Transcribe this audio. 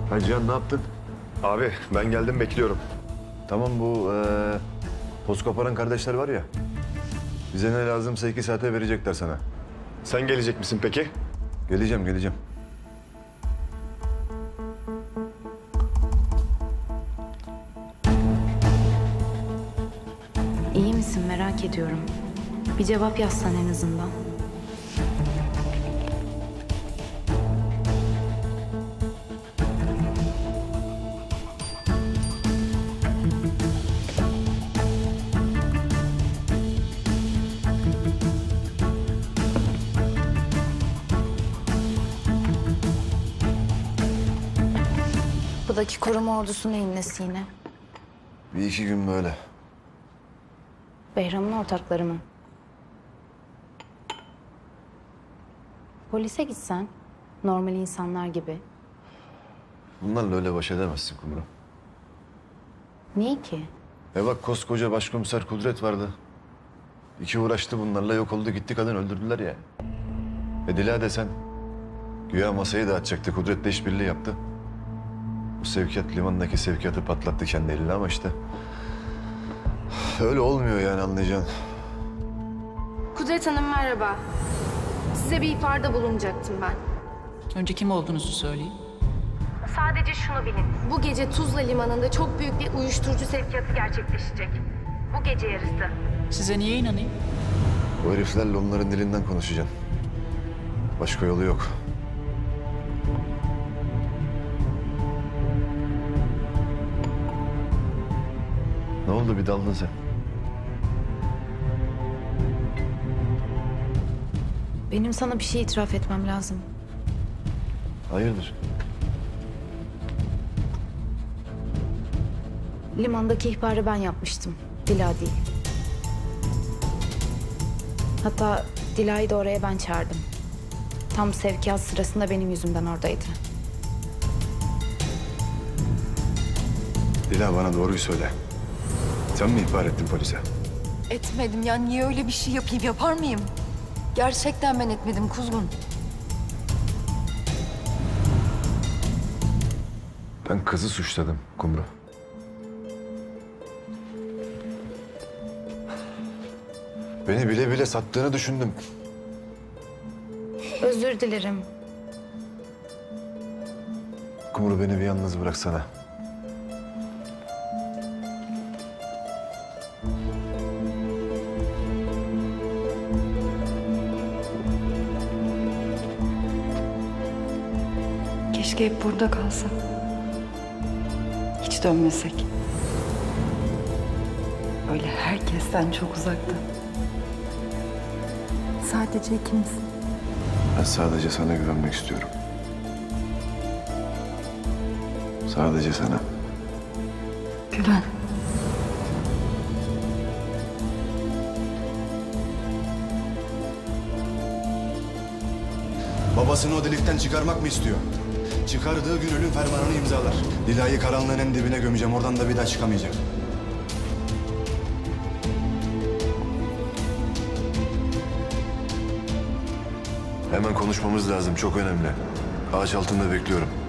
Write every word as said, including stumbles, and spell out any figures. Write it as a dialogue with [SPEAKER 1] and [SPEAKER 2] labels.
[SPEAKER 1] Ha Cihan, ne yaptın?
[SPEAKER 2] Abi ben geldim, bekliyorum.
[SPEAKER 1] Tamam, bu ee, toz koparan kardeşler var ya. Bize ne lazımsa iki saate verecekler sana.
[SPEAKER 2] Sen gelecek misin peki?
[SPEAKER 1] Geleceğim, geleceğim.
[SPEAKER 3] İyi misin merak ediyorum. Bir cevap yazsan en azından. Buradaki koruma ordusu neyin nesi yine?
[SPEAKER 1] Bir iki gün böyle.
[SPEAKER 3] Behram'ın ortakları mı? Polise gitsen, normal insanlar gibi.
[SPEAKER 1] Bunlarla öyle baş edemezsin Kumru.
[SPEAKER 3] Niye ki?
[SPEAKER 1] E bak, koskoca başkomiser Kudret vardı. İki uğraştı bunlarla, yok oldu gitti, kadın öldürdüler ya. E Dila desen, güya masayı dağıtacaktı, Kudret'le işbirliği yaptı. Bu sevkiyat limandaki sevkiyatı patlattı kendi eliyle ama işte... Öyle olmuyor yani, anlayacaksın.
[SPEAKER 4] Kudret Hanım merhaba. Size bir ihbarda bulunacaktım ben.
[SPEAKER 5] Önce kim olduğunuzu söyleyin.
[SPEAKER 4] Sadece şunu bilin. Bu gece Tuzla Limanı'nda çok büyük bir uyuşturucu sevkiyatı gerçekleşecek. Bu gece yarısı.
[SPEAKER 5] Size niye inanayım?
[SPEAKER 1] Bu heriflerle onların dilinden konuşacaksın. Başka yolu yok. Ne oldu, bir daldın sen?
[SPEAKER 3] Benim sana bir şey itiraf etmem lazım.
[SPEAKER 1] Hayırdır?
[SPEAKER 3] Limandaki ihbarı ben yapmıştım. Dila değil. Hatta Dila'yı da oraya ben çağırdım. Tam sevkiyat sırasında benim yüzümden oradaydı.
[SPEAKER 1] Dila, bana doğruyu söyle. Sen mi ihbar ettin polise?
[SPEAKER 6] Etmedim ya. Niye öyle bir şey yapayım? Yapar mıyım? Gerçekten ben etmedim Kuzgun.
[SPEAKER 1] Ben kızı suçladım Kumru. Beni bile bile sattığını düşündüm.
[SPEAKER 3] Özür dilerim.
[SPEAKER 1] Kumru, beni bir yalnız bıraksana.
[SPEAKER 6] Keşke hep burada kalsak. Hiç dönmesek. Öyle herkesten çok uzakta. Sadece ikimiz.
[SPEAKER 1] Ben sadece sana güvenmek istiyorum. Sadece sana.
[SPEAKER 6] Güven.
[SPEAKER 7] Babasını o delikten çıkarmak mı istiyor? Çıkardığı gün ölüm fermanını imzalar. Dila'yı karanlığın en dibine gömeceğim. Oradan da bir daha çıkamayacak.
[SPEAKER 1] Hemen konuşmamız lazım. Çok önemli. Ağaç altında bekliyorum.